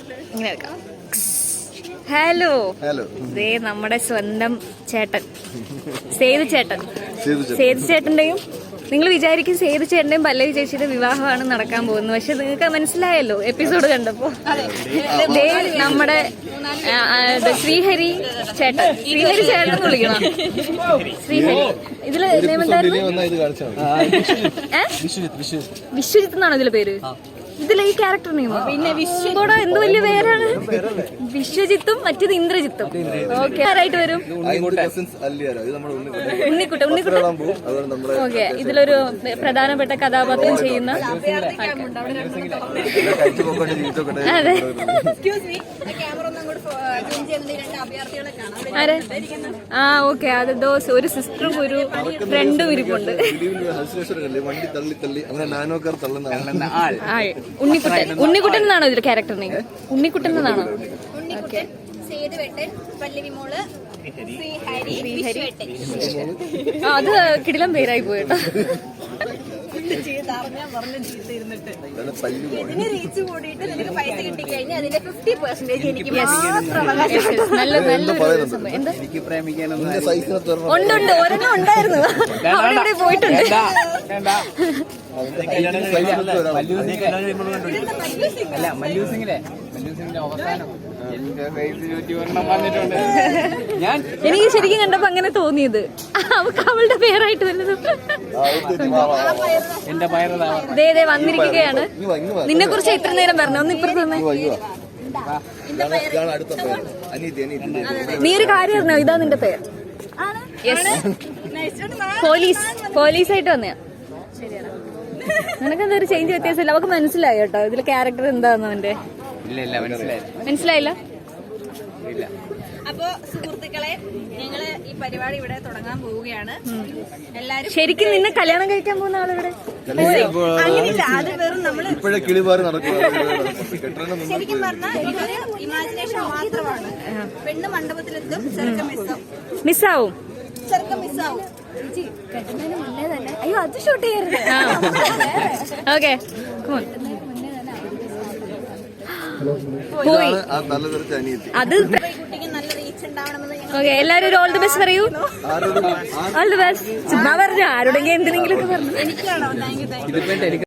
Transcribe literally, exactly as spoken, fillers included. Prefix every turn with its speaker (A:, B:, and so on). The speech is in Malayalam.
A: ഇങ്ങനെ വെക്കാം. ഹലോ
B: ഹലോ,
A: ദേ നമ്മുടെ സ്വന്തം ചേട്ടൻ സേതു ചേട്ടൻ. സേതു ചേട്ടന്റെയും നിങ്ങൾ വിചാരിക്കും സേതു ചേട്ടന്റെയും പല്ലവി ചേച്ചിയുടെ വിവാഹമാണ് നടക്കാൻ പോകുന്നത്. പക്ഷെ നിങ്ങൾക്ക് മനസ്സിലായല്ലോ എപ്പിസോഡ് കണ്ടപ്പോ. ദേ നമ്മുടെ ശ്രീഹരി ചേട്ടൻ, ശ്രീഹരി ചേട്ടൻ എന്ന് വിളിക്കണം. ശ്രീഹരി ഇതില് വിശ്വജിത്ത് എന്നാണോ ഇതിലെ പേര്? ഇതിലെ ഈ ക്യാരക്ടർ നെയ്മോ? പിന്നെ വിശ്വകൂടെ എന്ത് വലിയ പേരാണ്. വിശ്വജിത്തും മറ്റേത് ഇന്ദ്രജിത്തും. ഓക്കെ, ആരായിട്ട് വരും? ഉണ്ണിക്കുട്ടൻ. ഉണ്ണിക്കുട്ടൻ ഓക്കെ. ഇതിലൊരു പ്രധാനപ്പെട്ട കഥാപാത്രം ചെയ്യുന്ന അതെ. ആരെ? ആ ഓക്കെ, അത് ദോസ് ഒരു സിസ്റ്ററും ഒരു ഫ്രണ്ടും ഇരിപ്പുണ്ട്. ഉണ്ണിക്കുട്ടൻ. ഉണ്ണിക്കുട്ടൻ എന്നാണോ ഇതിൽ ക്യാരക്ടർ നെയിം? ഉണ്ണിക്കുട്ടൻ എന്നാണോ? അത് കിടിലം പേരായി പോയിട്ടോ. നല്ല നല്ല ഉണ്ട്. ഒരെണ്ണം ഉണ്ടായിരുന്നു, അവിടെ പോയിട്ടുണ്ട്. എനിക്ക് ശരിക്കും കണ്ടപ്പോ അങ്ങനെ തോന്നിയത് അവക്ക് അവളുടെ പേരായിട്ട് വല്ലതും. ദേ ദേ വന്നിരിക്കുകയാണ്. നിന്നെ കുറിച്ച് ഇത്ര നേരം പറഞ്ഞു. ഒന്ന് ഇപ്പുറത്ത് തന്നെ. നീ ഒരു കാര്യം അറിഞ്ഞോ? ഇതാ നിന്റെ പേര്. പോലീസ് പോലീസായിട്ട് വന്നയാ. നിനക്കെന്താ ഒരു ചേഞ്ച് വ്യത്യാസമില്ല? അവക്ക് മനസ്സിലായി കേട്ടോ ഇതിലെ ക്യാരക്ടർ എന്താന്ന് അവന്റെ. മനസ്സിലായില്ല?
C: അപ്പോ സുഹൃത്തുക്കളെ, ഞങ്ങള് ഈ പരിപാടി ഇവിടെ തുടങ്ങാൻ പോവുകയാണ്. എല്ലാരും
A: ശരിക്കും നിന്നെ കല്യാണം കഴിക്കാൻ പോകുന്ന ആളിവിടെ
C: അങ്ങനെയില്ല. അത് വെറും നമ്മള് ശരിക്കും പറഞ്ഞാൽ ഇതൊരു ഇമാജിനേഷൻ മാത്രമാണ്. പെണ്ണ് മണ്ഡപത്തിലെത്തും, ചെറുക്കം മിസ്സാവും.
A: മിസ്സാവും
C: ചെറുക്കം മിസ്സാവും.
A: അയ്യോ അത് ഷൂട്ട് ചെയ്യരുത്. ഓക്കെ അത് ഓക്കെ. എല്ലാരും ഒരു ഓൾ ദി ബെസ്റ്റ് പറയൂ. All the best. ചുമ്മാ പറഞ്ഞു, ആരോടെങ്കിലും എന്തിനെങ്കിലും ഒക്കെ പറഞ്ഞു.
C: എനിക്കാണോ? Thank you thank U.